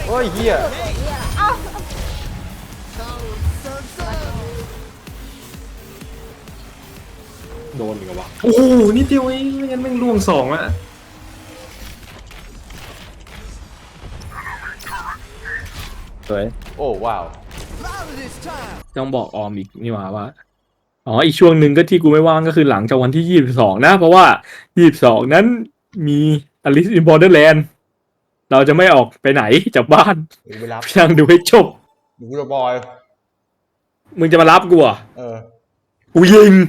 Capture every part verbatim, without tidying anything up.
โอ้ยเฮียโดนอีกวะโอ้โหนิดเดียวเองไม่งั้นแม่งล่วงสองอะสวยโอ้ว้าวต้องบอกออมอีกนี่หว่าว่าอ๋ออีกช่วงหนึ่งก็ที่กูไม่ว่างก็คือหลังจากวันที่ยี่สิบสองนะเพราะว่ายี่สิบสองนั้นมี Alice in Borderland เราจะไม่ออกไปไหนจากบ้านไปรับนั่งดูให้จบดูกูบอยมึงจะมารับกูอ่ะเออกูยิง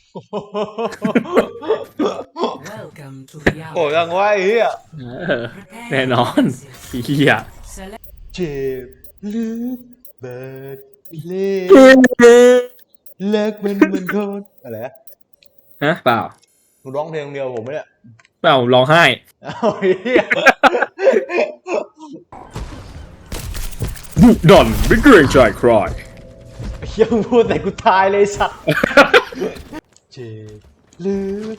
โอ้ยังไงเฮียแน่นอนเฮียเจ็บลึกเบิดเล่เลิกมันมันโทษอะไรฮะเปล่าหนูร้องเพลงเดียวผมไม่เนี่ยเปล่าร้องไห้ดุดันไม่เกรงใจใครยังพูดแต่กูตายเลยสักเจ็บลึก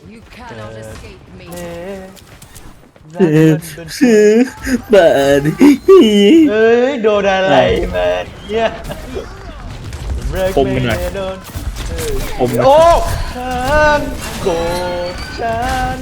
เบิดเบิดเอ้ยโดนอะไรมาเนี่ยผมมันไงผมโอ้ฉันโกรธฉัน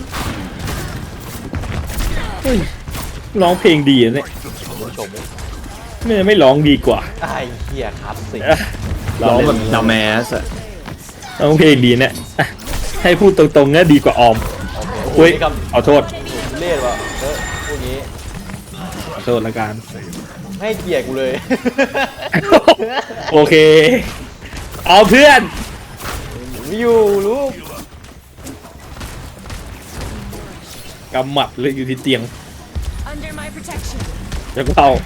ร้องเพลงดีเนี่ยผู้ชมไม่ไม่ร้องดีกว่าไอ้เหี้ยครับสิร้องแบบดาแมสอะร้องเพลงดีเนี่ยให้พูดตรงๆเนี่ยดีกว่าออมโอ้ยขอโทษเล่นวะเออพูดงี้ขอโทษละกันให้เกียรติกูเลยโอเคเอาเพื่อนอยู่ลูกกำหมัดเลยอยู่ที่เตียงแล้วก็เอา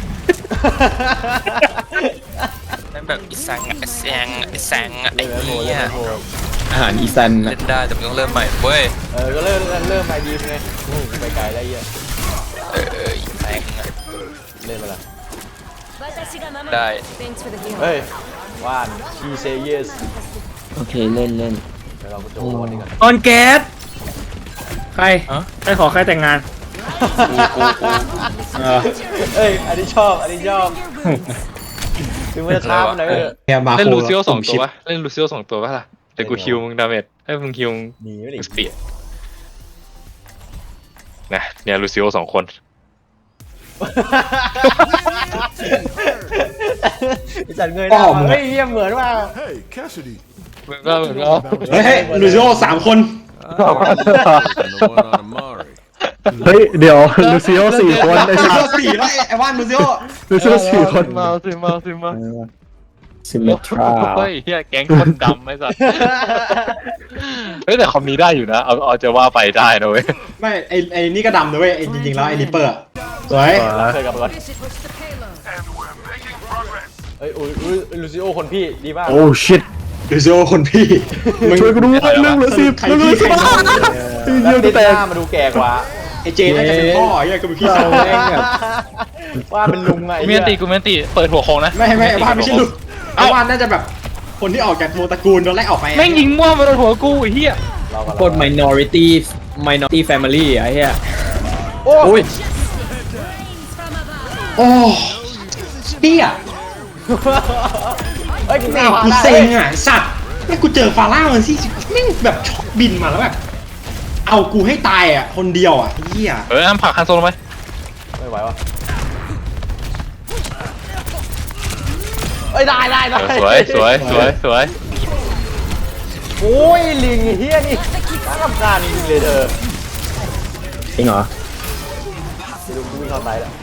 นั่นแบบอีสังอีแซงอีแซงไอ้เหี้ยอาหารอีซันเล่นได้แต่มึงต้องเริ่มใหม่เว้ยเออก็เริ่มเริ่มไปดีไงไปไกลได้เยอะเอออีแซงเล่นไปละได้เฮ้ยว่าน she say yes โอเคเล่นเล่นเดี๋ยวเราไปโจมวันนี้กันออนแก๊สใครใครขอใครแต่งงานเอ้ยอันนี้ชอบอันนี้ชอบถึงมันจะท้ามันเลยเล่นลูซิโอสองตัววะเล่นลูซิโอสองตัววะล่ะแต่กูฮิวมึงดาเมจให้มึงฮิวมึงสปีดนะเนี่ยลูซิโอสองคนจัดเงยหน้าเฮ้ยเยี่ยมเหมือนว่าเหมือนก็เหมือนก็เฮ้ยลูซิโอสามคนเฮ้ยเดี๋ยวลูซิโอสี่คนไอ้ลูซิโอสี่แล้วไอ้ว่านลูซิโอลูซิโอสี่คนมาสิมาสิมาซิมเมทราเฮ้ยเฮียแก๊งคนดำไอ้สัสเฮ้ยแต่คอมนี้ได้อยู่นะเอาเอาจะว่าไปได้นะเว้ยไม่ไอ้ไอ้นี่ก็ดำนะเว้ยไอ้จริงๆแล้วไอ้ริปเปอร์สวยเคยกับก่อนเฮ้ยอุ้ยลูซิโอคนพี่ดีมากโอ้ชิตลูซิโอคนพี่ช่วยกูดูเรื่องเหลือสิบเรื่องเหลือสิบเยอะแต่หน้ามาดูแก่กว่าไอ้เจน่าจะเป็นพ่อไอ้ก็เป็นพี่สาวเองแบบว่าเป็นลุงไงกูเมนตีกูเมนตีเปิดหัวโค้งนะไม่ไม่ว่าไม่ใช่ลุงไอ้ว่านน่าจะแบบคนที่ออกจากวงตระกูลโดนไล่ออกไปแม่งยิงมั่วมาโดนหัวกูไอ้เหี้ยคน minority minority family ไอ้เหี้ยโอ้ยโอ้เตี้ยเฮ้ยแม่กูเซ็งอ่ะสัตว์แม่กูเจอฟาร่ามันสิแม่งแบบช็อกบินมาแล้วแบบเอากูให้ตายอ่ะคนเดียวอ่ะเหี้ยเออน้ำผักคันโซลไหมไม่ไหววะเอ้ยได้ได้ได้สวยสวยสวยสวยโอ้ยลิงเฮียนี่น่ารำคาญจริงเลยเธอจริงเหรอลุงกูวิ่งเข้าไปแล้ว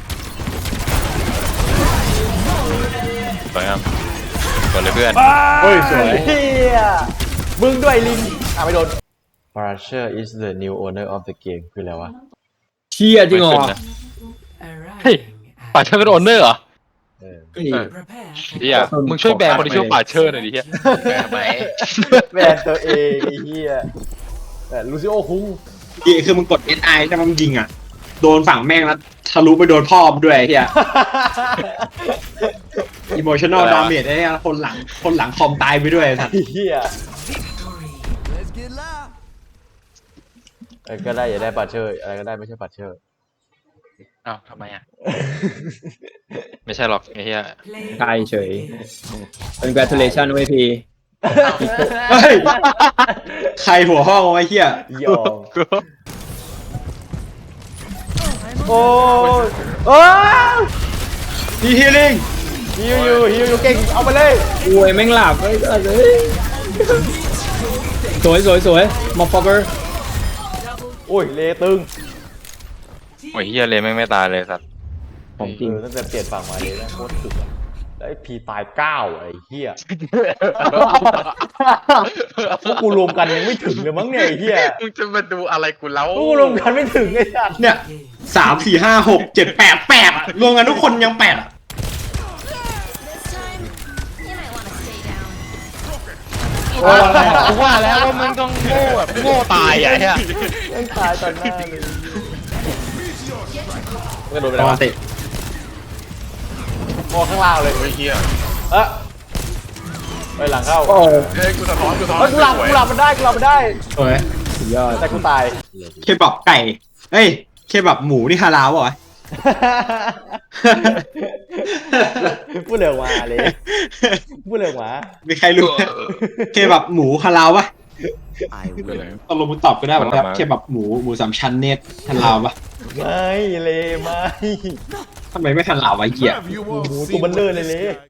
สวยครับกดเลยเพื่อนเฮ้ยสวยเฮียมึงด้วยลิงอ่ะไม่โดน Parasher is the new owner of the game คืออะไรวะเชี่ยจริงเหรอเฮ้ยป่าเชอร์เป็นโอนเนอร์เหรอเฮียมึงช่วยแบนคนที่ชื่อป่าเชอร์หน่อยดิเฮียแบนไหมแบนตัวเองไอ้เฮียแต่ลูซิโอคุ้งดีคือมึงกด เอส ไอ แต่มึงยิงอ่ะโดนฝั่งแม่งแล้วทะลุไปโดนพ่อมด้วยเฮีย emotional damage ไอ้คนหลังคนหลังคอมตายไปด้วยท่านเฮียก็ได้อย่าได้ปัดเชอร์อะไรก็ได้ไม่ใช่ปัดเชอร์อ้าวทำไมอ่ะ ไม่ใช่หรอกไอ้เหี้ยใช่เฉย congratulation เว้ยพี่เฮ้ยใครหัวห้องไว้เฮียยอมโอ้ยโอ้ยฮีฮีลิงฮิวอยู่ฮิวอยู่เก่งเอาไปเลยโอ้ยแม่งหลับเฮ้ยสวยสวยสวยมอฟฟอกเกอร์โอ้ยเลตึงโอ้ยเหี้ยเลยไม่งไม่ตายเลยสัตว์ของจริงเออตั้งแต่เปลี่ยนฝั่งมาเลยนะโคตรถึกอะแล้วไอ้พีตายเก้าไอ้เหี้ยพวกกูรวมกันยังไม่ถึงเลยมั้งเนี่ยไอ้เหี้ยมึงจะมาดูอะไรกูแล้วพวกกูรวมกันไม่ถึงไอ้สัตว์เนี่ยสามสี่ห้าหกเจ็ดแปดแปดอะรวมกันทุกคนยังแปดอะ This time, you might want to stay down. กูว่าแล้วว่ามึงต้องโง่แบบโง่ตายอ่ะเหี้ยยังตายตอนหน้าเลยก็โดนไปปแล้วกวะติมองข้างล่างเลยโอ้ยเหี้ยเอ๊ะไปหลังเข้าโอ้เฮ้ยกูสะท้อนกูสะท้อนเฮ้ยกูหลับกูหลับมันได้กูหลับมันได้สวยสุดยอดแต่กูตายเคบับไก่เอ้ยเคบับหมูนี่ฮาลาลป่ะวะพูดเร็วมาเลยพูดเร็วมามีใครรู้ไหมเคบับหมูฮาลาลป่ะตกลงมึงตอบก็ได้ป่ะครับเคบับหมูหมูสามชั้นเนี่ยฮาลาลป่ะไม่เลยไม่ทำไมไม่ฮาลาลวะไอ้เหี้ยหมูตัวเบันเลอร์เลยเลย